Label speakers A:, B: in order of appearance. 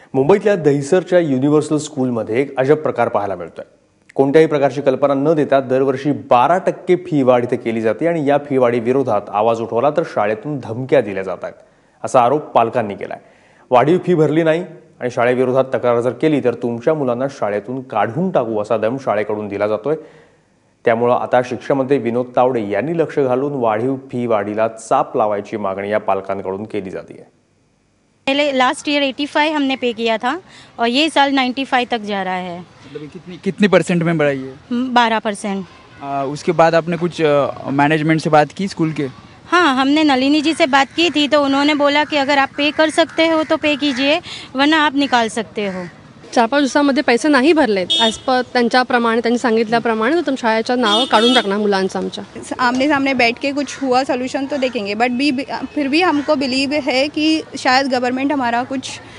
A: मुंबईतल्या दहिसरच्या युनिव्हर्सल स्कूलमध्ये एक अजब प्रकार पाहायला मिळतोय। कोणत्याही प्रकारची कल्पना न देता दरवर्षी 12% फी वाढ इथे केली जाते आणि या फी वाढी विरोधात आवाज उठवला तर शाळेतून धमक्या दिल्या जात आहेत असा आरोप पालकांनी केलाय। वाढीव फी भरली नाही आणि शाळेविरोधात तक्रार जर केली तर तुमच्या मुलांना शाळेतून काढून टाकू असा दम शाळेकडून दिला जातोय। त्यामुळे आता शिक्षणमंत्री विनोद तावडे यांनी लक्ष घालून वाढीव फी वाढीला चाप लावायची मागणी या पालकांकडून केली जाते।
B: पहले लास्ट ईयर 85 हमने पे किया था और ये साल 95 तक जा रहा है।
C: मतलब कितनी परसेंट में बढ़ाई है?
B: 12%।
C: उसके बाद आपने कुछ मैनेजमेंट से बात की स्कूल के?
B: हाँ, हमने नलिनी जी से बात की थी तो उन्होंने बोला कि अगर आप पे कर सकते हो तो पे कीजिए वरना आप निकाल सकते हो।
D: 4-5 दिवसामध्ये पैसे नाही भरलेत ॲज पर त्यांच्याप्रमाणे त्यांनी सांगितल्याप्रमाणे तो शाळेच्या नाव काढून टाकणार मुलांचं आमच्या।
E: आमने सामने बैठ के कुछ हुआ सोल्यूशन तो देखेंगे, बट फिर भी हमको बिलीव है कि शायद गवर्नमेंट हमारा कुछ